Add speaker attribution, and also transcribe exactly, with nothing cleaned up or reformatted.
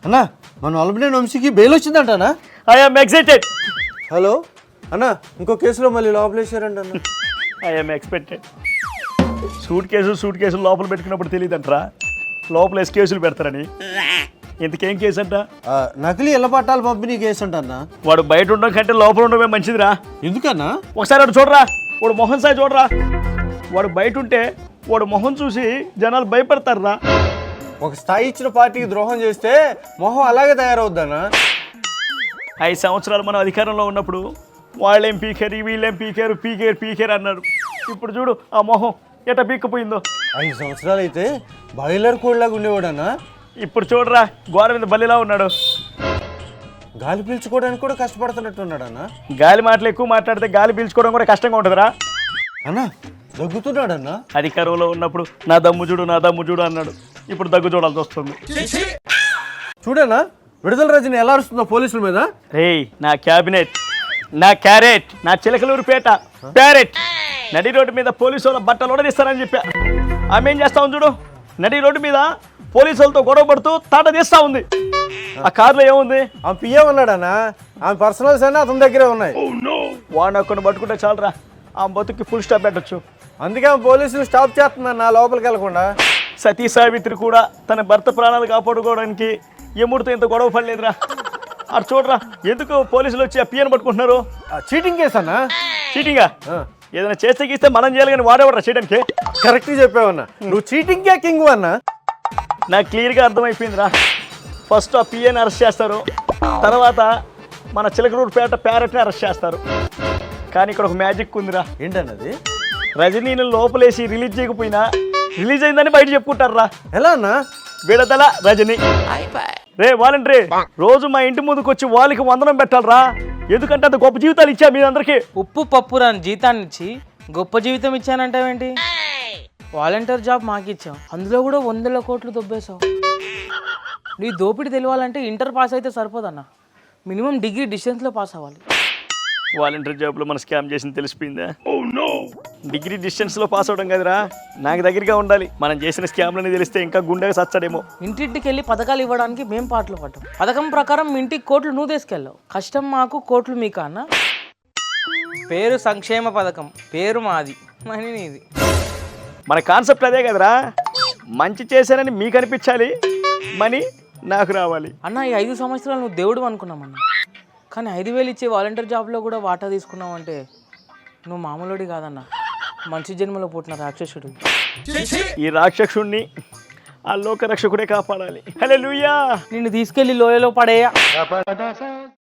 Speaker 1: అన్నా మన అల్బినేని వంశీకి బెయిల్ వచ్చిందంటనా?
Speaker 2: I'm excited.
Speaker 1: హలో అన్నా, ఇంకో కేసులో మళ్ళీ లోపలేసారంట అన్న.
Speaker 2: I'm expected. Suit case suit కేసులు లోపల పెట్టుకున్నప్పుడు తెలియదంటరా లోపల ఎస్ కేసులు పెడతారని. ఇంతకేం కేసు అంట?
Speaker 1: ఆ, నకిలీ ఇళ్ల పట్టాలు పంపిణీ కేసు అంట అన్న.
Speaker 2: వాడు బయట ఉండడం కంటే లోపల ఉండడమే మంచిదిరా.
Speaker 1: ఎందుకన్నా?
Speaker 2: ఒకసారి వాడు చూడరా, వాడు మొహం సాయి చూడరా. వాడు బయట ఉంటే వాడు మొహం చూసి జనాలు భయపడతారురా.
Speaker 1: ఒక స్థాయి ఇచ్చిన పార్టీకి ద్రోహం చేస్తే మొహం అలాగే తయారవుద్దన్నా.
Speaker 2: ఐదు సంవత్సరాలు మనం అధికారంలో ఉన్నప్పుడు వాళ్ళేం పీకారు వీళ్ళేం పీకారు పీకేరు పీకేరు అన్నారు. ఇప్పుడు చూడు ఆ మొహం ఎట పీక్కపోయిందో.
Speaker 1: ఐదు సంవత్సరాలు అయితే బాయిలర్ కోడ్లాగా ఉండేవాడన్నా.
Speaker 2: ఇప్పుడు చూడరా గోడ మీద బల్లిలా ఉన్నాడు.
Speaker 1: గాలి పీల్చుకోవడానికి కూడా కష్టపడుతున్నట్టున్నాడన్నా.
Speaker 2: గాలి మాటలు ఎక్కువ మాట్లాడితే గాలి పీల్చుకోవడం కూడా కష్టంగా ఉంటుందిరా.
Speaker 1: అన్నా దగ్గుతున్నాడన్నా.
Speaker 2: అధికారంలో ఉన్నప్పుడు నా దమ్ము చూడు నా దమ్ము చూడు అన్నాడు. ఇప్పుడు దగ్గు చూడాల్సి వస్తుంది.
Speaker 1: చూడన్నా విడుదల రజని ఎలా అరుస్తుందో పోలీసుల మీద.
Speaker 2: రేయ్ నా క్యాబినెట్, నా క్యారెట్, నా చిలకలూరు పేట ప్యారెట్ నడి రోడ్డు మీద పోలీసు వాళ్ళ బట్టలు ఉడదీస్తానని చెప్పా. ఆమె ఏం చేస్తా ఉంది చూడు, నడి రోడ్డు మీద పోలీసు వాళ్ళతో గొడవ పడుతూ తాట తీస్తా ఉంది. ఆ కారులో ఏముంది?
Speaker 1: ఆమె పిఏ ఉన్నాడన్నా. ఆమె పర్సనల్స్ అన్నీ అతని దగ్గరే ఉన్నాయి.
Speaker 2: వాడిని ఒక్కడిని పట్టుకుంటే చాలరా ఆ బతుకి ఫుల్ స్టాప్ పెట్టచ్చు.
Speaker 1: అందుకే ఆమె పోలీసులు స్టాప్ చేస్తుందన్న లోపలికి వెళ్ళకుండా.
Speaker 2: సతీ సావిత్రి కూడా తన భర్త ప్రాణాలు కాపాడుకోవడానికి ఎముడితో ఇంత గొడవ పడలేదురా. అటు చూడరా ఎందుకు పోలీసులు వచ్చి ఆ పియ్యను పట్టుకుంటున్నారు.
Speaker 1: చీటింగ్ కేసు అన్నా.
Speaker 2: చీటింగా? ఏదైనా చేస్తే గీస్తే మనం చేయాలి కానీ వాడేవాడరా చేయడానికి.
Speaker 1: కరెక్ట్గా చెప్పావన్నా. నువ్వు చీటింగ్కే కింగ్ అన్నా.
Speaker 2: నాకు క్లియర్గా అర్థమైపోయిందిరా. ఫస్ట్ ఆ పిఏని అరెస్ట్ చేస్తారు, తర్వాత మన చిలకలూరుపేట ప్యారెట్ని అరెస్ట్ చేస్తారు. కానీ ఇక్కడ ఒక మ్యాజిక్ ఉందిరా.
Speaker 1: ఏంటన్నది?
Speaker 2: రజనీని లోపలేసి రిలీజ్ చేయకపోయినా రిలీజ్ అయిందని బయట చెప్పుకుంటారా.
Speaker 1: ఎలా అన్నా?
Speaker 2: విడతల రజనీ. రే వాలంటరీ రోజు మా ఇంటి ముందుకు వచ్చి వాళ్ళకి వందనం పెట్టాలరా. ఎందుకంటే అంత గొప్ప జీవితాలు ఇచ్చా మీ అందరికి.
Speaker 3: ఉప్పు పప్పు రాని జీతాన్ని ఇచ్చి గొప్ప జీవితం ఇచ్చానంటావేంటి? వాలంటీర్ జాబ్ మాకు ఇచ్చావు, అందులో కూడా వందల కోట్లు దొబ్బేశావు. నీ దోపిడి తెలియాలంటే ఇంటర్ పాస్ అయితే సరిపోదన్నా, మినిమం డిగ్రీ డిస్టెన్స్లో పాస్ అవ్వాలి.
Speaker 2: వాలంటీర్ జాబ్లో మన స్కామ్ చేసింది తెలిసిపోయిందా? డిగ్రీ డిస్టెన్స్లో పాస్ అవడం కదరా, నాకు దగ్గరగా ఉండాలి. మనం చేసిన స్కామ్లని తెలిస్తే ఇంకా గుండెగా సచ్చాడేమో.
Speaker 3: ఇంటింటికి వెళ్ళి పథకాలు ఇవ్వడానికి మేము పాటలు పడ్డాం. పథకం ప్రకారం మీ ఇంటికి కోట్లు నువ్వు తీసుకెళ్ళావు. కష్టం మాకు, కోట్లు మీకు అన్న. పేరు సంక్షేమ పథకం, పేరు మాది, మనీ నీది.
Speaker 2: మన కాన్సెప్ట్ అదే కదరా, మంచి చేశానని మీకు అనిపించాలి, మనీ నాకు రావాలి.
Speaker 3: అన్న ఈ ఐదు సంవత్సరాలు నువ్వు దేవుడు అనుకున్నామన్నా, కానీ ఐదు వేలు ఇచ్చే వాలంటీర్ జాబ్లో కూడా వాటా తీసుకున్నావు అంటే నువ్వు మామూలుడి కాదన్న, మంచి జన్మలో పుట్టిన రాక్షసుడు.
Speaker 2: ఈ రాక్షసుడిని ఆ లోక రక్షకుడే కాపాడాలి. హల్లెలూయా.
Speaker 3: నిన్ను తీసుకెళ్లి లోయలో పడేయ.